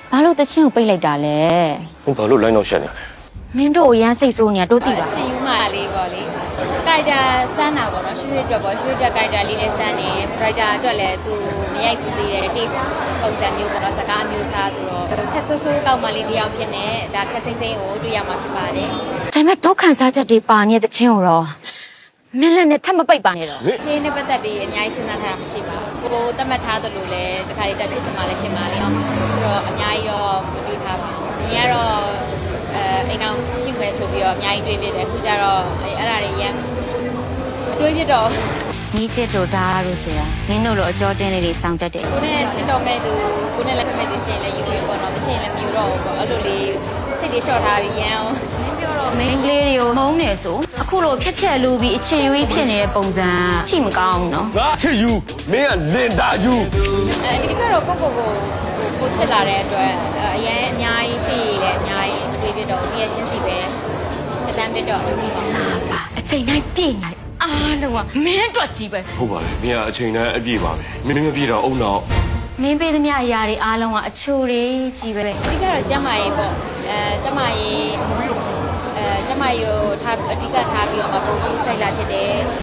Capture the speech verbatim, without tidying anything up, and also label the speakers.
Speaker 1: ဘာလို့တချင်းကိုပိတ်လိုက်တာလဲ
Speaker 2: ဘာလို့လိုင်းတော့ရှက်နေလဲ
Speaker 1: မင်းတို့ကိုရမ်းစိတ်ဆိုးနေတာတို့သိပါ
Speaker 3: ချင်ယူမှလေးပေါ့လေကိုက်တာစမ်းတာပေါ့နော်ရွှေရွှေအတွက်ပေါ့ရွှေရွှေအတွက်ကိုက်တာလေးနဲ့စမ်းနေဒရိုက်တာအတွက်လည်းသူမရိုက်ကူသေးတဲ့ taste ပုံစံမျိုးပေါ့နော်စကားမျိုးစားဆိုတော့ခက်ဆိုးဆိုးကောက်မှလေးတယောက်ဖြစ်နေဒါခက်စိမ့်စိမ့်ကိုတွေ့ရမှာဖြစ်ပါတယ်
Speaker 1: ဒါပေမဲ့ဒုက္ခစားချက်တွေပါနေတဲ့တချင်းကိုတော့မင်းလည်းနဲ့ထပ်မပိတ်ပါနဲ့တော့
Speaker 3: ချင်းနဲ့ပတ်သက်ပြီးအများကြီးစဉ်းစားထားတာမရှိပါဘူးကိုတတ်မှတ်ထားသလိုလဲတခါလေးတက်ဖြစ်စမှာလည်းဖြစ်ပါလေအောင်ဆိုတော့အများကြီးတော့မတွေးထားပါဘူး။ညီကတော့အဲအိမ်အောင်ပြုမယ်ဆိုပြီးတော့အများကြီးတွေးပြတယ်အခုကျတော့အဲ့အဲ့ဒါတွေရမ်းမတွေးပြတော့
Speaker 1: နီးချစ်တို့ဒါတို့ဆိုတာမင်းတို့လိုအကြောတင်းလေးတွေစောင့်တတ်တယ်
Speaker 3: ကိုနဲ့တက်တော်မဲ့သူကိုနဲ့လည်းဖက်မဲ့သူရှင်းလည်းယူရပေါ့နော်မရှင်းလည်းမယူတော့ဘူးပေါ့အဲ့လိုလေးစိတ်တွေလျှော့ထားပြီးရမ်းအောင်မင်းပြောတော့
Speaker 1: မင်းကလေးတွေကိုမုန်းနေဆိုအခုလိုဖြက်ဖြက်လူပြီးအချင်ရွေးဖြစ်နေတဲ့ပုံစံချိမကောင်းဘူးနော်
Speaker 2: ငါချစ်ယူမင်းကလင်တာယူ
Speaker 3: အဲဒီကတော့ကိုကိုကိုကိုချစ်လာတဲ့အတွက်အရင်အများကြီးရှိရည်လည်းအများကြီးမတွေးပြတော့ဘူးရဲ့ချင်းစီပဲအတန်းပြတော့
Speaker 1: ပါအချိန်တိုင်းပြည့်နေအားလုံးကမင်းအတွက်ကြီးပဲ
Speaker 2: ဟုတ်ပါလေမင်းကအချိန်တိုင်းအပြည့်ပါပဲမင်းမပြည့်တော့အုံတော့
Speaker 1: မင်းပေးသမျှအရာတွေအားလုံးကအချိုတွေကြီးပဲ
Speaker 3: အဓိကတော့ကျမရေးပေါ့အဲကျမရေးအဲကျမရေးကိုထားအဓိကထားပြီးတော့မပုံပြီးဆိုင်လာဖြစ်တယ်